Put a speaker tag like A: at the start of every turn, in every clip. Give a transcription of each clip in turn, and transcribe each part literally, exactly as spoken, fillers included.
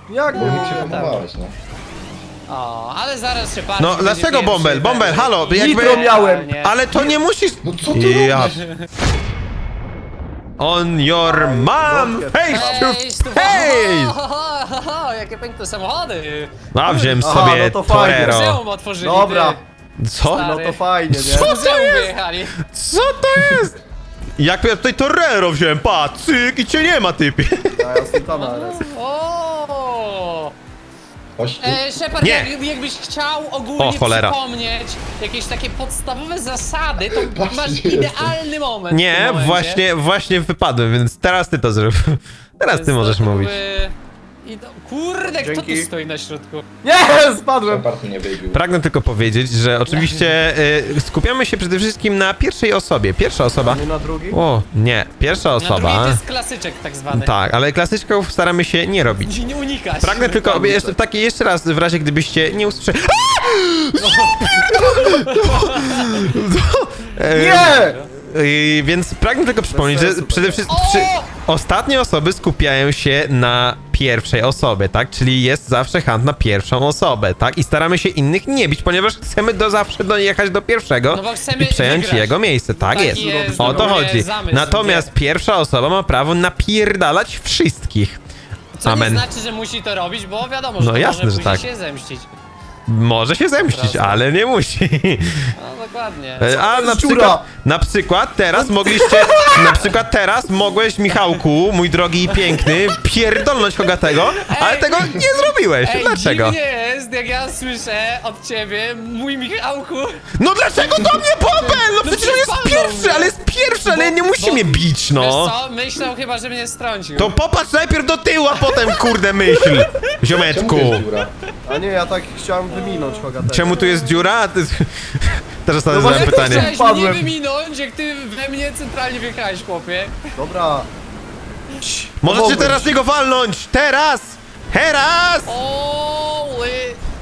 A: Jak
B: Bo mi
A: nie?
B: przypomniałeś, no.
C: O, ale zaraz się patrzy.
D: No dlaczego Bąbel? Bąbel, halo, jakby...
A: Nitro miałem.
D: Ale to nie musisz...
B: No co ty
D: Ja...
B: robisz?
D: On your mom! Face to face!
C: Jakie piękne samochody!
D: A wziąłem
A: Aha,
D: sobie
A: no to fajnie.
D: Torero.
C: Muzeum otworzyli.
A: Dobra.
D: Co?
A: No to fajnie,
D: Co?
A: nie?
C: Muzeum wyjechali.
D: Co to jest? Jak ja tutaj Torero wziąłem, pa, cyk i cię nie ma, typie.
A: A ja Sultana jest.
C: O!
B: Chodź tu.
C: E, Shepard,
D: Nie.
C: jak, jakbyś chciał ogólnie
D: O, cholera.
C: przypomnieć jakieś takie podstawowe zasady, to
B: Patrz,
C: masz
B: gdzie
C: idealny moment. w
D: Nie,
C: tym momencie.
D: właśnie, właśnie wypadłem, więc teraz ty to zrób. Teraz ty
C: Więc
D: możesz
C: to
D: mówić.
C: jakby- I do... Kurde, kto tu
A: Dzięki.
C: stoi na środku?
A: Nie, spadłem.
B: Shepard mnie wybił.
D: Pragnę tylko powiedzieć, że oczywiście y, skupiamy się przede wszystkim na pierwszej osobie. Pierwsza osoba...
A: Nie na drugi?
D: O, nie, pierwsza
C: Na drugiej to
D: osoba...
C: jest klasyczek tak zwany.
D: Tak, ale klasyczków staramy się nie robić.
C: Nie unikać.
D: Pragnę tylko, jeszcze, takie jeszcze raz, w razie gdybyście nie usłyszeli...
A: Nie!
D: Yy, więc pragnę tylko przypomnieć, że
A: sensu,
D: przede wszystkim
C: O!
D: przy... ostatnie osoby skupiają się na pierwszej osobie, tak? Czyli jest zawsze hunt na pierwszą osobę, tak? I staramy się innych nie bić, ponieważ chcemy do zawsze dojechać do pierwszego
C: No bo chcemy
D: i przejąć
C: wygrać.
D: jego miejsce, tak
C: Taki
D: jest.
C: jest
D: O to
C: ogólnie
D: chodzi.
C: zamysł,
D: Natomiast
C: nie?
D: pierwsza osoba ma prawo napierdalać wszystkich.
C: Co
D: Amen.
C: nie znaczy, że musi to robić, bo wiadomo,
D: No
C: że to
D: jasne,
C: może
D: że
C: później
D: tak.
C: się zemścić.
D: Może się zemścić,
C: Proste.
D: ale nie musi.
C: No dokładnie.
D: E, A
A: to
D: na
A: jest
D: przykład,
A: dziura?
D: na przykład teraz mogliście, na przykład teraz mogłeś, Michałku, mój drogi i piękny, pierdolnąć Hogatego, ale tego nie zrobiłeś.
C: Ej,
D: Dlaczego?
C: dziwnie jest, jak ja słyszę od ciebie, mój Michałku.
D: No dlaczego do mnie Bąbel? No przecież on jest
C: przecież
D: pierwszy,
C: palnął
D: ale jest pierwszy, ale
C: Bo-
D: nie musi
C: bo-
D: mnie bić,
C: Wiesz
D: no.
C: co, myślał chyba, że mnie strącił.
D: To popatrz najpierw do tyłu, a potem kurde myśl,
B: Czemu
D: ziomeczku.
B: to jest dziura?
A: A nie, ja tak chciałem wyminąć Hogatego.
D: Czemu tu jest dziura? A ty... Teraz
A: No
D: zadałem
A: właśnie
C: Jak
D: pytanie.
C: chciałeś mnie
A: Wpadłem.
C: wyminąć, jak ty we mnie centralnie wjechałeś, chłopie.
A: Dobra. Cii,
D: Możecie
A: pomogłem
D: teraz
A: ci.
D: niego walnąć! Teraz! Teraz!
C: Oły.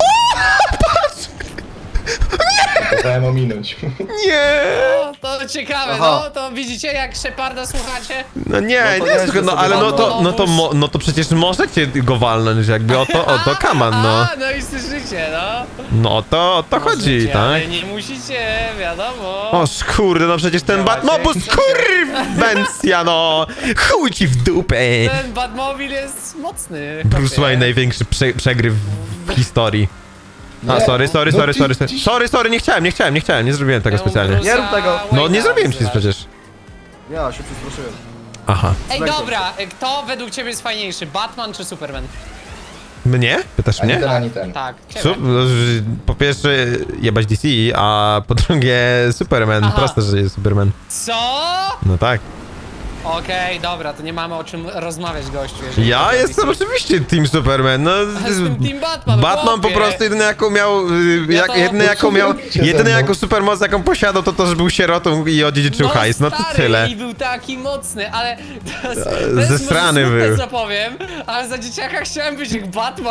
B: Kazałem ominąć.
D: Nie!
C: O, to ciekawe,
A: Aha.
C: no, to widzicie jak Sheparda słuchacie?
D: No nie,
A: No to
D: nie,
A: nieźle
D: słuchaj, no
A: sobie
D: ale no
A: walnął.
D: to, no to, mo, no to przecież możecie go walnąć, jakby o to, o to kaman, no.
C: A, no i słyszycie, no.
D: No o to, o to chodzi,
C: Możecie,
D: tak?
C: Ale nie musicie, wiadomo.
D: O kurde, no przecież ten
C: Działacie.
D: Batmobus, kurwencja, no! Chuj ci w dupę!
C: Ten Batmobil jest mocny.
D: Bruce
C: chłopie.
D: Wayne największy prze, przegryw w historii. A,
B: Nie,
D: sorry, sorry,
B: no
D: sorry,
B: ty-
D: sorry,
B: ty-
D: sorry, sorry, sorry, nie chciałem, nie chciałem, nie chciałem, nie zrobiłem tego
C: Ja mu
D: specjalnie.
C: Bruce'a
A: Nie rób tego.
D: No
C: Wayne'a
D: nie zrobiłem nic
C: wzywać.
D: przecież.
A: Ja się przestraszyłem.
D: Aha.
C: Ej,
A: Zlękłem
C: dobra, kto według ciebie jest fajniejszy, Batman czy Superman?
D: Mnie? Pytasz
B: Ani
D: mnie?
B: ten, ani ten.
C: Tak, ciebie.
D: Sup, no, że po pierwsze jebać D C, a po drugie Superman.
C: Aha.
D: Proste, że jest Superman.
C: Co?
D: No tak.
C: Okej, dobra, to nie mamy o czym rozmawiać, gościu. jeżeli
D: Ja
C: chodzi o
D: jestem
C: D C.
D: oczywiście Team Superman. No,
C: Jestem Team Batman,
D: Batman po
C: chłopie.
D: prostu jedyny jaką miał, y,
C: Ja
D: jak,
C: to-
D: jedyny
B: No
D: jaką
B: co
D: miał,
B: robicie ze
D: jedyny
B: mną?
D: jaką supermoc jaką posiadał to to, że był sierotą i odziedziczył
C: No
D: hajs. No to
C: stary,
D: tyle.
C: i był taki mocny, ale to jest, to jest
D: Zesrany
C: może smutne,
D: był.
C: co powiem, ale za dzieciaka chciałem być jak Batman.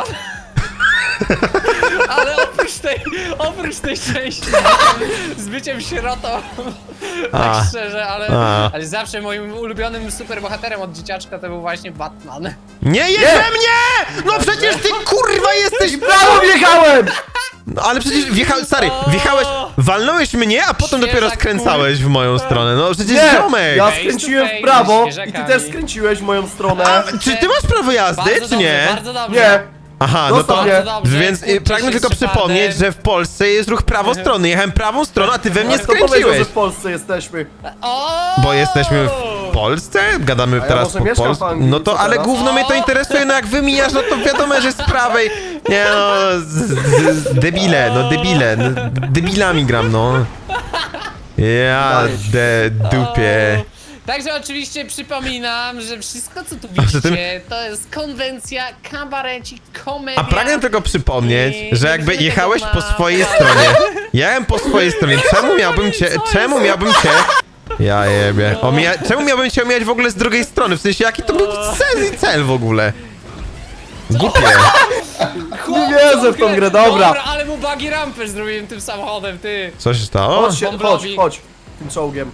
C: Ale oprócz tej, oprócz tej części z byciem, z byciem sierotą,
D: A.
C: tak szczerze, ale,
D: A.
C: ale zawsze moim ulubionym superbohaterem od dzieciaczka to był właśnie Batman.
D: Nie jedź we mnie! No przecież ty kurwa jesteś...
A: Brawo, wjechałem!
D: No ale przecież wjechałeś, stary, wjechałeś, walnąłeś mnie, a potem
C: Świeża
D: dopiero skręcałeś w moją stronę. No przecież
A: Nie!
D: ziomek!
A: Ja
C: Face to
A: skręciłem
C: face
A: w prawo
C: ze
A: i ty
C: świeżakami.
A: też skręciłeś w moją stronę.
D: A, czy ty masz prawo jazdy,
C: Bardzo
D: czy
C: dobrze,
D: nie?
C: bardzo dobrze.
A: Nie.
D: Aha, no to...
A: Zostaw mnie.
C: Bardzo dobrze,
D: Więc y,
C: kłóćcie
D: pragnę
C: się
D: tylko
C: z Shepardem.
D: przypomnieć, że w Polsce jest ruch prawostronny. Jechałem prawą stroną, a ty we mnie
A: Kto powiedział,
D: skręciłeś.
A: że w Polsce jesteśmy?
C: O!
D: Bo jesteśmy w Polsce? Gadamy
A: ja
D: teraz
A: może
D: po
A: mieszkam w
D: polsku.
A: Anglii,
D: No to,
A: co
D: ale
A: teraz?
D: gówno mnie to interesuje, no jak wymijasz, no to wiadomo, że z prawej. Nie no, z, z, z, debile, no debile, no, debilami gram, no. Ja de dupie.
C: O. Także oczywiście przypominam, że wszystko co tu
D: poza tym-
C: widzicie to jest konwencja, kabarecik, komedia.
D: A pragnę tylko przypomnieć,
C: I
D: że jakby
C: musimy
D: jechałeś
C: tego
D: po
C: ma-
D: swojej stronie. Jechałem po swojej stronie, czemu miałbym cię, czemu miałbym cię... Ja jebie. Omija... Czemu miałbym cię omijać w ogóle z drugiej strony? W sensie, jaki to był sens i cel w ogóle? Głupie.
C: Chłop,
A: Nie wierzę w tą grę, dobra.
C: Dobra, ale mu buggy rampę zrobiłem tym samochodem, ty.
D: Co się stało?
A: Chodź, się, chodź,
C: Bąblowi.
A: chodź. Tym czołgiem.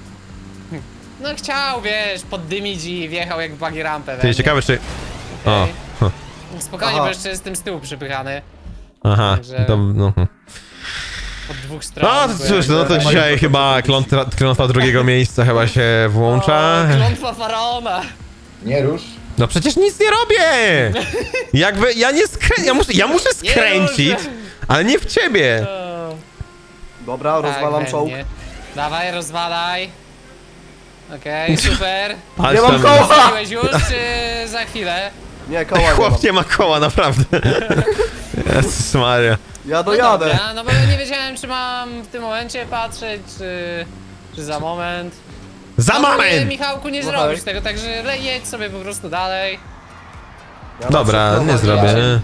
C: No chciał, wiesz, poddymić i wjechał jak buggy rampę. we
D: Ty,
C: mnie.
D: ciekawe czy... O.
C: Okej.
D: huh.
C: Spokojnie,
A: Aha.
C: bo jeszcze jestem z tyłu przypychany.
D: Aha,
C: Także-
D: to no.
C: Od dwóch stron.
D: No to cóż, no to
A: jakby-
D: dzisiaj chyba klątwa, klątwa drugiego miejsca chyba się włącza.
C: O, klątwa faraona.
B: Nie rusz.
D: No przecież nic nie robię! Jakby ja nie skrę... ja muszę, ja muszę skręcić,
C: może.
D: ale nie w ciebie.
C: O,
A: Dobra, rozwalam
C: tak,
A: czołg.
C: pewnie. Dawaj, rozwalaj. Okej, super.
D: Ale
A: Nie mam
D: tam-
A: koła!
C: Zrobiłeś już, czy za chwilę?
A: Nie, koła nie mam.
D: Chłop nie ma koła, naprawdę. Jezus Maria.
A: Ja
C: No
A: dojadę.
C: dobra, no bo ja nie wiedziałem, czy mam w tym momencie patrzeć, czy, czy za moment.
D: Za
C: No,
D: moment!
C: Michałku, nie
A: No
C: zrobisz
A: tak.
C: tego, także le- jedź sobie po prostu dalej.
A: Ja
D: Dobra,
A: na
D: nie
A: przykład-
D: zrobię.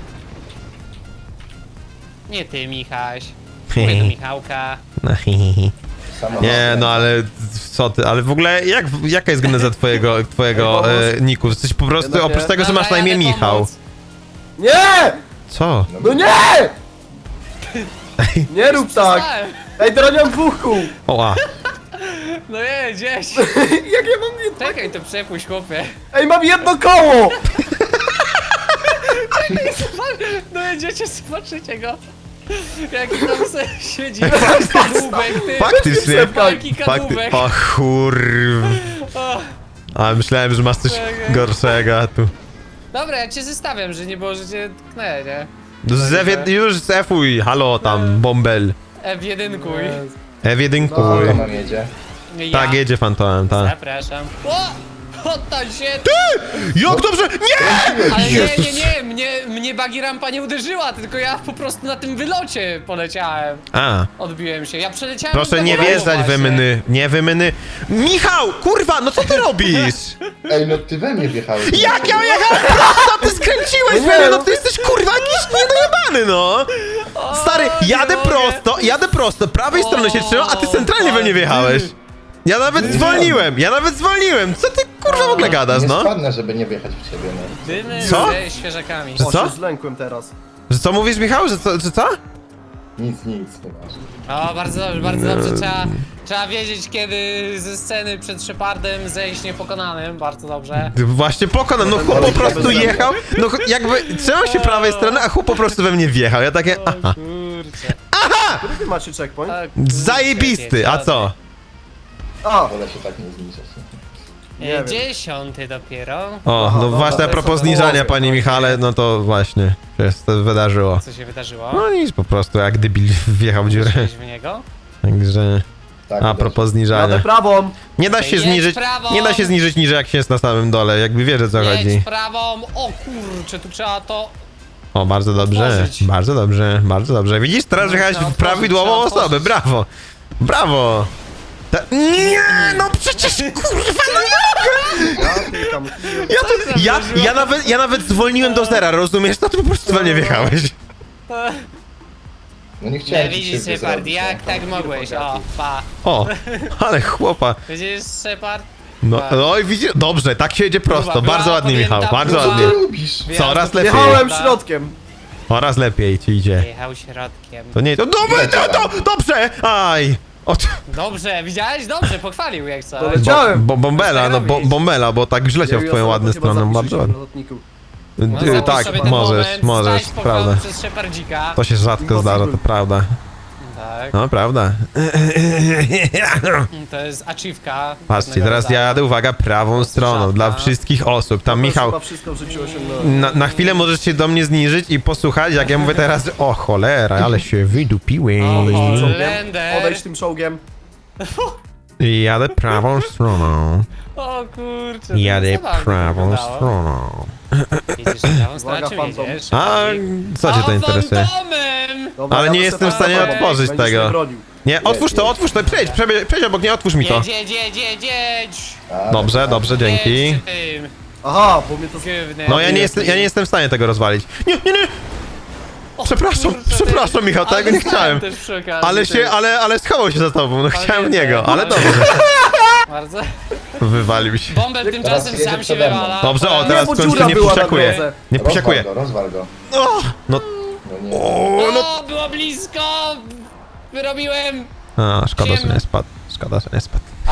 C: Nie ty, Michaś. Mówię do Michałka.
D: No, hi, hi, hi.
B: Sama
D: Nie, no ale co ty, ale w ogóle jak, jaka jest geneza twojego, twojego
A: Ej,
D: e, niku? Jesteś po prostu,
A: Jednak nie.
D: oprócz tego, że
C: Dobra,
D: masz na imię
C: jadę
D: Michał.
C: pomóc.
A: Nie!
D: Co?
A: No nie! Nie rób tak!
C: Przestałem.
A: Ej, teraz nie mam dwóch kół!
D: Oła.
C: No je, gdzieś.
A: Jak ja mam jedno...
C: Czekaj, to przepuść, chłopie.
A: Ej, mam jedno koło!
C: No jedziecie, zobaczycie go. Jaki tam se siedzi. Kadłubek, ty.
D: Faktycznie.
C: Wielki
D: Fakty...
C: kadłubek.
D: O kurw.
C: O.
D: A myślałem, że masz coś
C: Czekaj.
D: gorszego a tu.
C: Dobra, ja cię zostawiam, że nie było, że cię tknę, nie?
D: Zewie, już zefuj, halo tam, bombel.
C: F jeden kuj.
D: F jeden
B: Co
D: kuj.
B: tam jedzie?
C: Ja.
D: Tak, jedzie fantomem, tak.
C: Zapraszam. O! Oddaj się!
D: Jak dobrze! Nie!
C: Ale nie, nie, nie, mnie, mnie bagi rampa nie uderzyła, tylko ja po prostu na tym wylocie poleciałem.
D: A,
C: Odbiłem się, ja przeleciałem
D: proszę
C: do
D: nie
C: dołu
D: wjeżdżać
C: właśnie.
D: we mny, nie we mny. Michał, kurwa, no co ty robisz?
B: Ej, no ty we mnie wjechałeś.
D: Jak ja jechałem prosto, ty skręciłeś
A: No
D: we mnie,
A: nie,
D: no
A: no.
D: ty jesteś kurwa jakiś niedojebany, no! Stary,
C: nie
D: jadę
C: mogę.
D: prosto, jadę prosto, prawej
C: O,
D: strony się trzymam, a ty centralnie we mnie wjechałeś. Ja nawet zwolniłem, ja nawet zwolniłem, co ty kurwa w ogóle gadasz,
B: Nie
D: no?
B: spadnę, żeby nie wjechać w ciebie, no.
C: Dymy
D: Co?
C: ze świeżakami.
D: Że
A: O,
D: co?
A: się zlękłem teraz.
D: Że co mówisz, Michał, że co, że co?
B: Nic, nic, nieważne.
C: O, bardzo dobrze, bardzo dobrze. Trzeba, trzeba wiedzieć, kiedy ze sceny przed Shepardem zejść niepokonanym. Bardzo dobrze.
D: Właśnie pokonam, no chłop po prostu jechał, no ch- jakby trzymał się prawej strony, a chłop po prostu we mnie wjechał, ja takie, aha.
C: Kurczę.
A: Który wy macie checkpoint?
C: O, kurczę,
D: Zajebisty, a co?
A: A!
B: Wolę się tak nie zniszczyć.
A: Nie
C: E,
A: wiem.
C: Dziesiąty dopiero.
D: O,
A: Aha,
D: no
A: dobra,
D: właśnie a
A: to
D: propos
A: jest
D: zniżania,
A: to
D: panie Michale, no to właśnie się to wydarzyło.
C: Co się wydarzyło?
D: No nic, po prostu jak debil wjechał w dziurę,
C: Weszłeś w niego?
D: także
B: Tak,
D: a propos zniżania.
A: Jadę prawą!
D: Nie da się
C: Jedź
D: zniżyć,
C: prawą.
D: nie da się zniżyć niżej jak się jest na samym dole, jakby wiesz o co chodzi.
C: Jedź prawą. O kurczę, tu trzeba to...
D: O, bardzo dobrze,
C: Otworzyć.
D: bardzo dobrze, bardzo dobrze. Widzisz, teraz
C: No,
D: wjechałeś
C: trzeba
D: w
C: otworzyć,
D: prawidłową
C: trzeba
D: osobę,
C: otworzyć.
D: brawo, brawo. Ta... Nie, no przecież kurwa, no
A: Ja tykam.
D: ja, to, ja, ja, nawet, ja nawet zwolniłem do zera, rozumiesz? No to po prostu we mnie wjechałeś.
B: No nie chciałem
C: Nie
B: ci
C: widzisz,
B: krzywdy
C: Shepard,
B: zrobić,
C: jak
B: no.
C: tak mogłeś? O, pa.
D: O, ale chłopa.
C: Widzisz, Shepard?
D: No,
C: Tak.
D: no i widzisz, dobrze, tak się jedzie prosto,
C: Próba
D: bardzo
C: była
D: ładnie
C: podjęta,
D: Michał, bardzo
C: próba.
B: Co
D: ładnie.
B: ty robisz?
D: Coraz lepiej,
A: Jechałem środkiem.
D: coraz lepiej ci idzie.
C: Jechał środkiem.
D: To nie, to dobrze, to, to, dobrze, aj. O, to-
C: Dobrze, widziałeś? Dobrze, pochwalił jak coś.
A: Dobra. Chciałem.
D: Bo, bombela, no bo,
C: robić.
D: bombela, bo tak źle się w twoją ładną stronę, bardzo ładnie.
C: No,
D: Ty,
C: zapisz
D: tak,
C: sobie ten
D: możesz,
C: moment,
D: możesz,
C: stań
D: prawda.
C: spokojnie przez Shepardzika.
D: To się rzadko
A: Impossible.
D: zdarza, to prawda.
C: Tak,
D: No, prawda.
C: to jest achievka.
D: Patrzcie,
C: pewnego
D: teraz ja
C: rodzaju.
D: jadę, uwaga, prawą stroną,
C: żabka.
D: dla wszystkich osób. Tam Michał,
A: Chyba wszystko w życiu osiągnąłem.
D: na, na chwilę możesz się do mnie zniżyć i posłuchać, jak ja mówię teraz, że o cholera, ale się wydupiłem.
C: O,
A: Czołgiem.
C: Lender.
A: Odejdź tym czołgiem.
D: I jadę prawą stroną.
C: O kurczę.
D: Jadę
C: zabawnie
D: prawą
C: wyglądało.
D: stroną.
C: Jedziesz prawą stronę,
A: Uwaga,
C: czym
A: fantom.
C: jedziesz?
D: A co cię to
C: O,
D: interesuje?
C: fantomem!
A: Dobra,
D: Ale
A: ja
D: nie
A: to
D: jestem w
A: sobie
D: stanie
A: fantomem.
D: otworzyć
A: Będziesz
D: tego.
A: mnie bronił.
D: Nie, otwórz to, otwórz to, przejdź, przejdź, przejdź obok mnie, otwórz mi to.
C: Jedź, jedź, jedź, jedź, jedź!
B: A,
D: Dobrze, dobrze, dzięki.
C: Jedź tym
A: Aha, bo mnie to...
C: gównem.
D: No ja nie jestem, ja nie jestem w stanie tego rozwalić. Nie, nie, nie!
C: O,
D: Przepraszam,
C: kurczę,
D: przepraszam, Michał,
C: ale
D: tego nie
C: dostałem
D: chciałem.
C: też przy okazji,
D: Ale
C: ty.
D: się, ale, ale schował się za tobą, no chciałem w
C: nie,
D: niego, ale
C: ale-
D: dobrze.
C: Bardzo.
D: Wywalił się.
C: Bąbel tymczasem
B: jedzie
C: sam się
B: przede mną.
C: wywala.
D: Dobrze, o
A: Nie,
D: teraz
A: bo
D: w końcu
A: dziura
D: nie
A: była na
D: posiakuje.
A: drodze.
D: Nie
B: rozwal
D: posiakuje.
B: go, rozwal go.
D: O, no,
B: No nie.
D: o, no.
C: O, było blisko! Wyrobiłem!
D: A, szkoda, że
C: Ziemia.
D: nie spadł. Szkoda, że nie spadł.
C: A,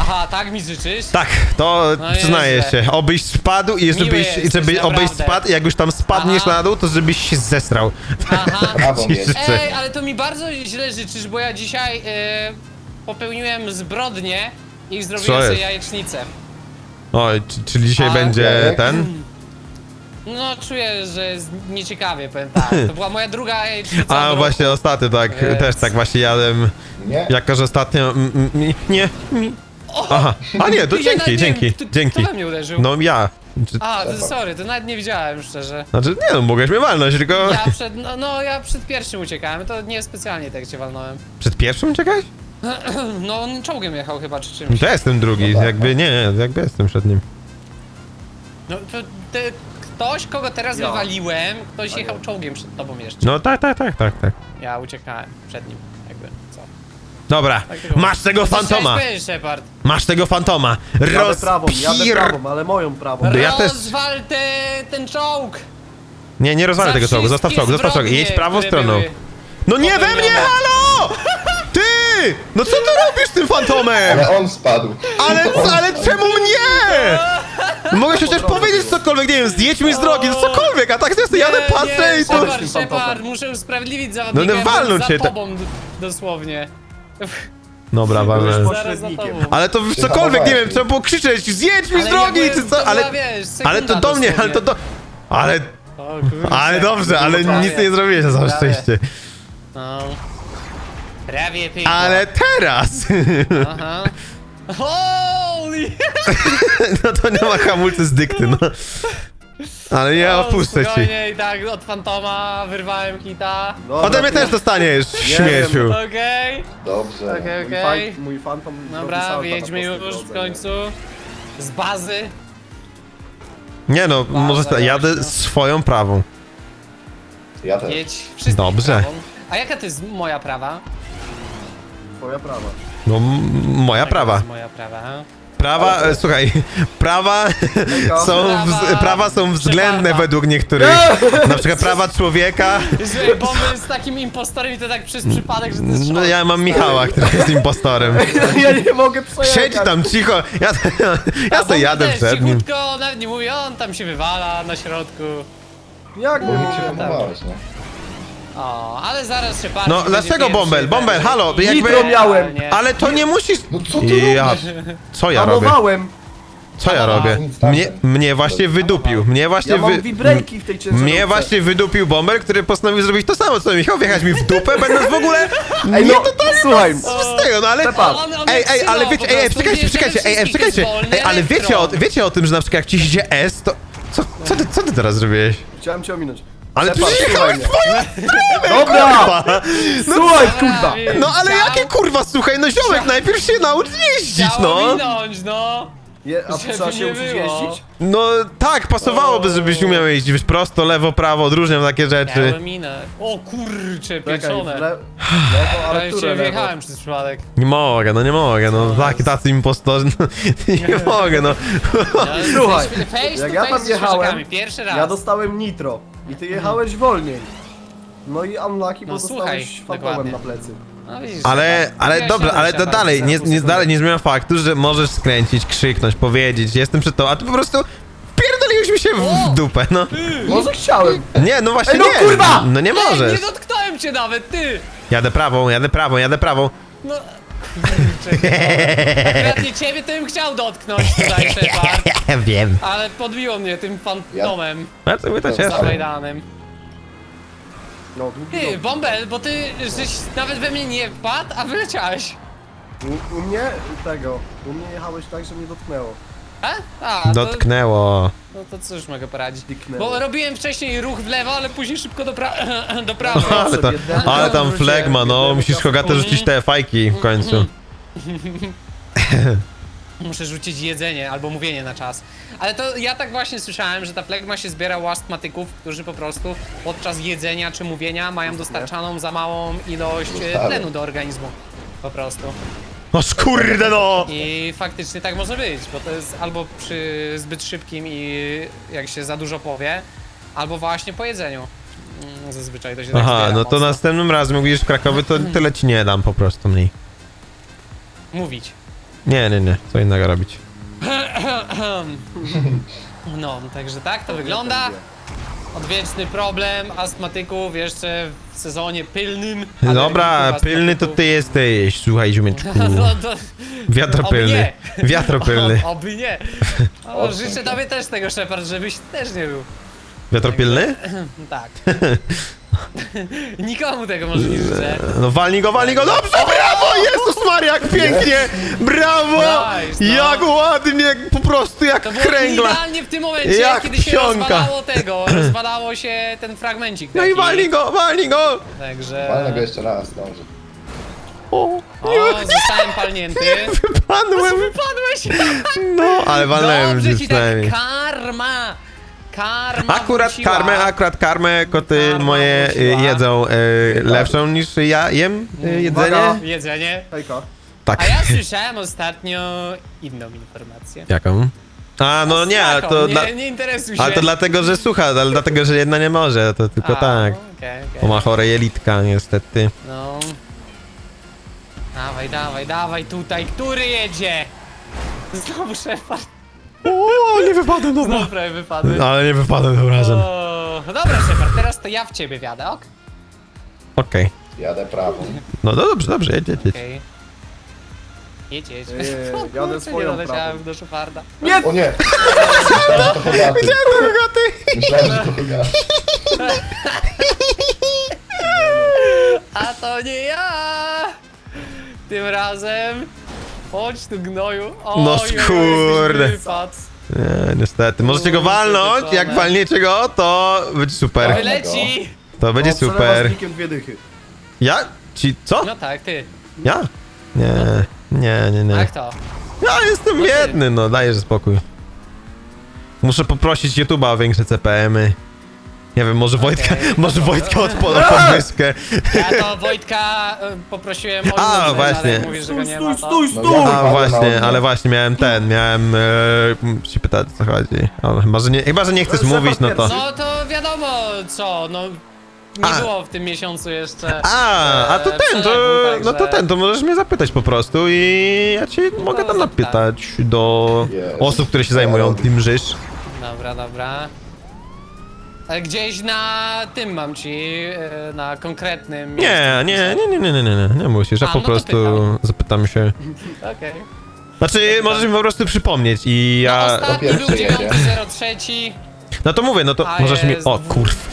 C: Aha, tak mi życzysz?
D: Tak, to
C: No
D: przyznaję
C: nieźle.
D: się. Obyś spadł i żebyś,
C: jesteś,
D: żeby, obyś
C: naprawdę.
D: spadł i jak już tam spadniesz
C: Aha.
D: na dół, to żebyś się zesrał.
C: Aha.
B: Brawo,
D: Ci
B: mieć.
D: życzę.
C: Ej, ale to mi bardzo źle życzysz, bo ja dzisiaj e, popełniłem zbrodnię i
D: Co
C: zrobiłem sobie
D: jest?
C: jajecznicę.
D: Oj, czy- czyli dzisiaj
C: A,
D: będzie
B: Jarek?
D: ten?
C: No, czuję, że jest nieciekawie, powiem tak. To była moja druga jajecznica w
D: A
C: roku.
D: właśnie ostatnio tak,
C: Więc-
D: też tak właśnie jadłem.
B: Nie?
D: Jako, że ostatnio... mm, mm, Nie, mi... Aha, a nie, to
C: Ja
D: dzięki,
C: nawet nie
D: dzięki,
C: wiem, kto-
D: dzięki.
C: Kto we mnie uderzył?
D: No ja. Czy-
C: A, to, sorry, to nawet nie widziałem, szczerze.
D: Znaczy, nie no, mogłeś mnie walnąć, tylko...
C: Ja przed, no, no ja przed pierwszym uciekałem, to nie specjalnie tak cię walnąłem.
D: Przed pierwszym czekać?
C: No, on czołgiem jechał chyba, czy czymś.
D: To ja jestem drugi,
B: No tak,
D: jakby nie, jakby jestem przed nim.
C: No, to ty, ktoś, kogo teraz
A: Ja.
C: wywaliłem, ktoś
A: A
C: jechał
A: nie.
C: czołgiem przed tobą jeszcze.
D: No tak, tak, tak, tak, tak.
C: Ja uciekałem przed nim, jakby, co?
D: Dobra,
C: Tak tylko
D: masz tego
C: mówię.
D: fantoma!
C: Co chciałeś powiedzieć, Shepard?
D: Masz tego fantoma!
A: Jadę prawą, jadę
D: Rozpir...
A: prawą, ale moją prawą.
D: Ja też-
C: Rozwal te, ten czołg!
D: Nie, nie rozwalę
C: Za
D: tego czołgu, zostaw
C: wszystkie
D: czołg, zostaw czołg,
C: zbrodnie,
D: jedź prawą
C: które
D: stroną.
C: były
D: No nie we mnie,
C: popełnione.
D: halo! Ty! No co ty robisz z tym fantomem?
B: Ale on spadł.
D: Ale, ale czemu mnie? Mogę chociaż powiedzieć cokolwiek, nie wiem, zdjedź mi z drogi, no cokolwiek, a tak ja sobie jadę, patrzę i tu...
C: Shepard,
A: tym
C: Shepard,
A: fantomem.
C: muszę usprawiedliwić zawodnika,
D: No, no,
C: ja
D: walnął
C: byłem za
D: cię, tak.
C: tobą d- dosłownie.
D: Dobra,
A: Byłeś
D: walnę.
A: po-
C: Zaraz za
A: Pośrednikiem.
C: tobą.
D: Ale to cokolwiek, nie wiem, trzeba było krzyczeć, zjedź mi z
C: Ale
D: drogi,
C: ja
D: czy
C: byłem-
D: co,
C: to
D: ale...
C: była, wiesz, sekunda
D: Ale to do mnie, ale to do... Ale...
C: O, kurczę.
D: Ale dobrze, ale
C: Prawie.
D: nic nie zrobiłeś na całe
C: Prawie.
D: szczęście.
C: No. Prawie pięknie.
D: Ale teraz...
C: Aha. Holy!
D: No to nie ma hamulcy z dykty, no. Ale nie
C: O,
D: opuszczę ci.
C: spokojnie, i tak od fantoma wyrwałem hita.
A: Dobra,
D: Ode mnie
A: tu-
D: też dostaniesz,
A: Nie
D: śmieciu.
C: Okej,
B: Dobrze.
C: okej,
A: Mój,
C: okej.
A: fan, mój fantom robi
C: Dobra,
A: salta na
C: wyjedźmy
A: prostej
C: już
A: drodze,
C: w
A: nie?
C: końcu. Z bazy.
D: Nie no, może
C: Bardzo
D: jadę
C: głośno.
D: swoją prawą.
B: Ja też.
C: Jedź wszystkich
D: Dobrze.
C: prawą. A jaka to jest moja prawa?
A: Twoja prawa.
D: No, m- moja
C: Jaka to
D: prawa.
C: jest moja prawa.
D: Prawa, e, słuchaj, prawa są, wz,
C: Prawa-
D: prawa są względne
C: Przepada.
D: według niektórych. Na przykład prawa człowieka.
C: Słuchaj, bomby jest takim impostorem i to tak przez przypadek, że to jest
D: No
C: szok.
D: ja mam Michała, który jest impostorem.
A: Ja nie mogę przejechać.
D: Siedź tam cicho, ja, ja
C: A
D: sobie jadę
C: bomby też
D: przed nim.
C: cichutko, nawet nie mówię, on tam się wywala na środku.
A: Jak
B: Bo
A: nie
B: mi się
A: mogę?
B: pomagałeś, nie?
C: O, ale zaraz się patrzy.
D: No
C: będzie
D: dlaczego
C: pierwszy,
D: Bombel? Bombel,
C: będzie-
D: halo,
A: Nitro
D: jakby...
A: miałem.
C: Nie.
D: Ale to nie musisz...
B: No co ty
D: Ja,
B: robisz?
D: co ja robię?
A: Hamowałem.
D: Co ja robię?
B: Nic tam
D: Mnie,
B: ten.
D: mnie właśnie wydupił, mnie właśnie
A: Ja mam
D: wy...
A: vibrejki w tej ciężarówce.
D: Mnie właśnie wydupił Bomber, który postanowił zrobić to samo co Michał, wjechać mi w dupę, będąc w ogóle...
A: Ej,
D: nie
A: no,
D: totalnie
A: słuchaj.
D: z tego, no ale...
A: Shepard.
C: On- on
D: Ej,
C: jak
D: ej, ale
C: sygnał
D: wiecie,
C: po
D: ej, ej,
C: prostu,
D: czekajcie,
C: wie, że
D: czekajcie, ej, ej,
C: wszystkich
D: czekajcie,
C: jest wolny
D: ej, ale wiecie o,
C: elektron.
D: wiecie o tym, że na przykład jak ci idzie S, to... Co, co, ty, co ty teraz zrobiłeś?
A: Chciałem cię ominąć.
D: Ale
A: Shepard,
D: przecież
A: słuchaj
D: jechałeś
A: mnie.
D: twoją
A: Dobra!
D: kurwa!
A: Słuchaj, kurwa!
D: No ale
C: Chciał-
D: jakie kurwa, słuchaj, no ziomek, najpierw się naucz jeździć,
C: Chciał
D: no!
C: minąć, no.
A: Je, a
C: Żeby
A: trzeba się
C: nie
A: uczyć
C: było.
A: jeździć?
D: No tak, pasowałoby, żebyś umiał jeździć, wiesz, prosto, lewo, prawo, odróżniam takie rzeczy.
C: Miałem minę. O kurcze,
A: Czekaj, w
C: pieczone.
A: le... lewo, ale
C: Prawie
A: które
C: się
A: lewo?
C: wjechałem przez przypadek.
D: Nie mogę, no nie mogę, no taki tacy impostorzy, no, nie mogę, no.
C: Ale
A: Słuchaj,
C: face to
A: jak
C: face
A: ja tam
C: ze
A: jechałem,
C: świeżakami, pierwszy raz.
A: Ja dostałem nitro i ty jechałeś wolniej. No i unlucky, bo
C: No, słuchaj,
A: dostałeś fantomem
C: dokładnie.
A: na plecy.
C: No, widzisz,
D: Ale,
C: Shepard.
D: ale
C: Ja
D: dobra,
C: się
D: ale to
C: Shepard,
D: dalej, nie,
C: zaraz
D: nie,
C: usunę.
D: dalej nie zmienia faktu, że możesz skręcić, krzyknąć, powiedzieć, jestem przed tobą, a ty po prostu pierdoliłeś mi się w, w dupę, no.
A: Może chciałem.
D: Nie, no właśnie
A: Ej, no
D: nie,
A: kurwa!
D: no nie
C: Ej,
D: możesz.
C: nie dotknąłem cię nawet, ty!
D: Jadę prawą, jadę prawą, jadę prawą.
C: No... Kurczę, akurat nie ciebie to bym chciał dotknąć tutaj, Shepard.
D: Wiem.
C: Ale podbiło mnie tym fantomem
D: A co my to cieszy?
C: zawajdanym.
A: No, długi
C: Ty,
A: lot.
C: Bombel, bo ty żeś nawet we mnie nie wpadł, a wyleciałeś.
A: U, u mnie tego, u mnie jechałeś tak, że mnie dotknęło.
C: A? A, to,
D: Dotknęło.
C: no to cóż mogę poradzić.
A: Dyknęło.
C: Bo robiłem wcześniej ruch w lewo, ale później szybko do, pra do prawej.
D: Ale, to, ale tam flegma, no, musisz Hogatę rzucić te fajki w końcu.
C: Muszę rzucić jedzenie albo mówienie na czas. Ale to ja tak właśnie słyszałem, że ta flegma się zbiera u astmatyków, którzy po prostu podczas jedzenia czy mówienia mają dostarczaną za małą ilość e,
B: Zostały.
C: tlenu do organizmu. Po prostu.
D: No kurde no!
C: I faktycznie tak może być, bo to jest albo przy zbyt szybkim i jak się za dużo powie, albo właśnie po jedzeniu. Mm, Zazwyczaj to się tak
D: Aha,
C: zbiera
D: no to
C: mocno.
D: następnym razem jak będziesz w Krakowie, to tyle ci nie dam po prostu mniej.
C: Mówić.
D: Nie, nie, nie, co innego robić.
C: No, także tak to wygląda. Odwieczny problem astmatyków jeszcze w sezonie pylnym.
D: Dobra,
C: alergików,
D: pilny to
C: astmatyków.
D: ty jesteś, słuchaj ziomeczku.
C: No to...
D: Wiatropylny.
C: Oby nie.
D: Wiatropylny.
C: O, oby nie. O,
B: O,
C: życzę
B: dzięki.
C: tobie też tego, Shepard, żebyś też nie był.
D: Wiatropylny?
C: Tak. Nikomu tego może nie życzę.
D: No walnij go, walnij go, dobrze, brawo, Jezus Maria, jak pięknie, brawo,
C: Nice, no.
D: jak ładnie, po prostu jak
C: To było
D: kręgla.
C: idealnie w tym momencie,
D: Jak
C: kiedy się
D: psionka.
C: rozwalało tego, rozwalało się ten fragmencik
D: No i
C: taki.
D: walnij go, walnij go.
C: Także...
B: Walnę go jeszcze raz, dobrze.
D: O,
C: O, zostałem palnięty.
D: wypadłem,
C: Wypadłeś!
D: no, ale walnąłem
C: Dobrze
D: już
C: ci tak,
D: przynajmniej.
C: karma! Karma
D: Akurat
C: wróciła.
D: karmę, akurat karmę koty
C: Karma
D: moje y,
C: wróciła.
D: jedzą y, lepszą niż ja jem y, jedzenie.
A: Uwaga.
C: Jedzenie.
A: Hejka.
D: Tak.
C: A ja słyszałem ostatnio inną informację.
D: Jaką? A, no nie, ale
C: Taką,
D: to,
C: nie,
D: dla,
C: nie interesuj się.
D: ale to dlatego, że słucha, ale dlatego, że jedna nie może, to tylko
C: A,
D: tak.
C: okej, okej.
D: Bo ma chore jelitka, niestety.
C: No. Dawaj, dawaj, dawaj tutaj, który jedzie? Znowu Shepard.
D: O, nie wypadłem,
C: Znowu prawie wypadły.
D: Ale nie wypadłem tym razem.
C: O, no dobra, Shepard, teraz to ja w ciebie wiadę, ok?
D: Okej.
B: Jadę prawą.
D: No, no dobrze, dobrze, jedź, jedź, jedź.
C: Okej. Jedź, jedź.
A: Nie,
C: O
A: jadę
C: kurczę, nie
A: swoją
C: doleciałem
A: prawą.
C: do Sheparda.
A: Nie!
B: O nie! Myślałem, że to Hogaty. Myślałem, że to Hogaty.
C: A to nie ja! Tym razem. Chodź tu, gnoju. Oj,
D: No
C: oj, oj,
D: skurde.
C: jakiś wypad.
D: Nie, niestety. Możecie go
C: Kurczę,
D: walnąć,
C: pieczone.
D: jak walniecie go, to będzie super.
B: Tak.
C: Wyleci!
D: To będzie
A: O, przelewa z
D: super.
A: nikiem dwie dychy.
D: Ja? Ci, co?
C: No tak, ty.
D: Ja? Nie, nie, nie, nie.
C: Jak to?
D: Ja jestem
C: No ty.
D: biedny, no dajesz spokój. Muszę poprosić YouTube'a o większe C P M-y. Nie wiem, może Wojtka, może Wojtka odpala podwyżkę.
C: Ja to Wojtka e, poprosiłem o
D: A,
C: numer,
D: właśnie.
C: ale mówisz, że go
A: Stój,
C: nie ma,
A: stój,
C: to...
A: stój,
B: No
A: stój!
B: ja-
D: A
B: Ale
D: właśnie,
B: na
D: ale
B: mnie.
D: właśnie miałem ten, miałem e, się pytać co chodzi. Ale chyba, że nie, chyba, że nie chcesz
A: Shepard
D: mówić, no to...
A: pierwszy.
C: No to wiadomo co, no... Nie
D: A.
C: było w tym miesiącu jeszcze...
D: A, a to
C: e,
D: ten, to,
C: przelewu,
D: no to
C: także-
D: ten, to możesz mnie zapytać po prostu i ja ci mogę tam
C: zapytam.
D: napytać do
B: Jest.
D: osób, które się zajmują tym żysz.
C: Dobra, dobra. Ale gdzieś na tym mam ci, e, na konkretnym
D: Nie, nie, nie, nie, nie, nie, nie, nie, nie musisz, ja
C: A,
D: po
C: no to
D: prostu
C: pytam.
D: zapytam się.
C: Okej.
D: Znaczy, możesz mi po prostu przypomnieć i
C: No,
D: ja...
C: ostatni
B: pierwszy
C: był
B: jedzie.
C: dziewiąty zero trzy.
D: No to mówię, no to
C: A
D: możesz mi...
C: jest
D: O
C: dwu-
D: kurw.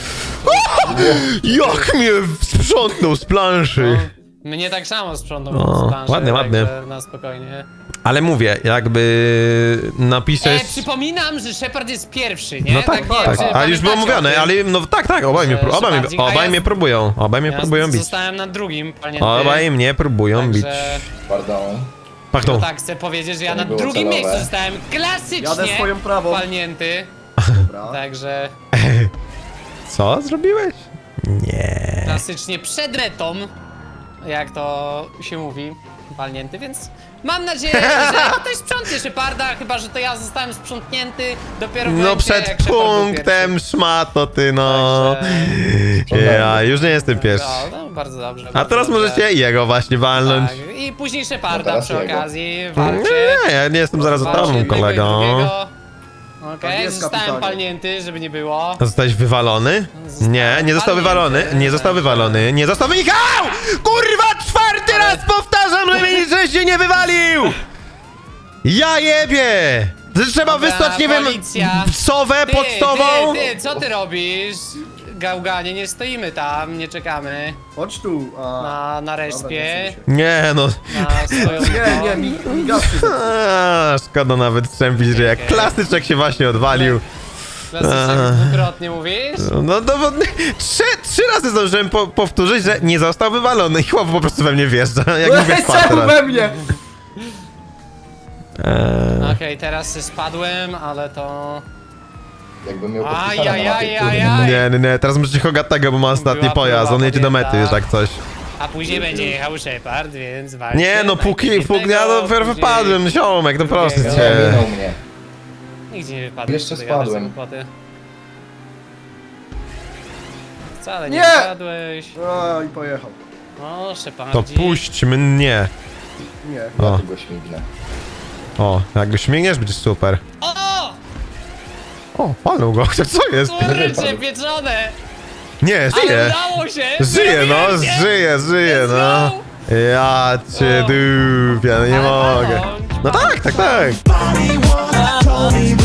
D: Jak mnie sprzątnął z planszy.
C: Mnie tak samo sprzątnął
D: O,
C: z planszy,
D: ładnie, ładnie.
C: także na spokojnie.
D: Ale mówię, jakby
C: E,
D: napiszesz...
C: przypominam, że Shepard jest pierwszy, nie?
D: No tak,
C: nie
D: tak,
C: wiem, czy
D: ale już było
C: pamiętacie o
D: mówione,
C: tym.
D: ale no tak, tak, obaj mnie,
C: Że-
D: pró- obaj
C: że
D: mnie,
C: bardziej- a
D: obaj
C: ja-
D: mnie próbują, obaj mnie
C: Ja
D: próbują bić.
C: zostałem na drugim, pamiętaj.
D: Obaj mnie próbują bić.
C: Także,
B: Pardon.
D: Pardon.
C: no tak, chcę powiedzieć, że ja
B: To
C: na
B: nie było
C: drugim
B: celowe.
C: miejscu zostałem klasycznie
A: Jadę swoją prawą.
C: palnięty.
A: Dobra.
C: Także
D: Co zrobiłeś? Nie.
C: klasycznie przed metą, jak to się mówi, palnięty, więc mam nadzieję, że ktoś sprzątnie Sheparda, chyba że to ja zostałem sprzątnięty dopiero w
D: No
C: momencie,
D: przed
C: jak Shepard był
D: punktem szmato ty no.
C: Także-
D: Ja już nie jestem
C: pierwszy.
D: pierwszy.
C: No, no, bardzo dobrze.
D: A
C: bardzo
D: teraz
C: dobrze.
D: możecie jego właśnie walnąć.
C: Tak, i później Sheparda
B: No teraz
C: przy
B: jego.
C: okazji,
D: Nie,
C: walcie.
D: nie, ja nie jestem zaraz za
C: Walcie
D: tobą,
C: jednego i
D: kolego.
C: drugiego.
A: Tak
C: Okej,
A: jest,
C: zostałem
A: kapitanie.
C: palnięty, żeby nie było.
D: Zostałeś wywalony?
C: Zostałem
D: Nie, nie został
C: palnięty.
D: wywalony, nie został wywalony, nie został wynikał! Kurwa, czwarty raz powtarzam, że mnie że się nie wywalił! Ja jebie! Trzeba
C: Dobra,
D: wysłać, nie wiem,
C: policja.
D: sowę
C: Ty,
D: pocztową?
C: Ty, ty, co ty robisz? Gałganie, nie stoimy tam, nie czekamy
A: Chodź tu. A,
C: na, na
A: dobra,
C: respie,
A: nie chcę
D: Nie no,
C: na swoją...
A: się. Nie, nie, mi, mi gaz się zepsuł.
D: a, szkoda nawet strzępić, że jak
C: Okej.
D: klasyczek się właśnie odwalił.
C: Klasycznie dwukrotnie mówisz?
D: No to bo, trzy, trzy razy zdążyłem po, powtórzyć, że nie został wywalony i chłop po prostu we mnie wjeżdża, jak mówię czwarty
A: Czemu
D: raz.
A: we mnie?
D: Eee,
C: Okej, teraz spadłem, ale to...
B: Jakbym miał
C: Aj,
B: podpisane
C: aj,
B: na mapie,
C: aj,
B: kurde.
C: aj, aj.
D: nie, nie, nie, teraz musicie Hogatego, bo ma ostatni
C: Była
D: pojazd,
C: próba
D: on jedzie do mety już
C: podjęta.
D: jak coś.
C: A później będzie jechał Shepard, więc walcie.
D: Nie no, póki, póki ja dopiero
C: później-
D: wypadłem, ziomek, no proszę
C: Drugiego.
B: Nie,
D: cię.
B: minął mnie.
C: Nigdzie nie wypadłem.
B: Jeszcze
C: ty gadasz
B: spadłem.
C: głupoty. Wcale nie
A: Nie!
C: wypadłeś.
A: A, i pojechał.
C: O,
D: To
C: Shepardzi.
D: puść mnie.
A: Nie.
B: Ja
D: O.
B: tu go śmignę.
D: O, jak go śmigniesz, będzie super.
C: O!
D: O, palnął go, co jest?
C: Kurczę, pieczone!
D: Nie,
C: Ale
D: żyje.
C: udało się!
D: Żyje, no,
C: Wyrobiłem się!
D: żyje, żyje,
C: Let's
D: no.
C: go!
D: Ja cię
C: O.
D: dupię, no nie
C: Ale
D: mogę.
C: palą.
D: No tak, tak, tak.
E: Body once told me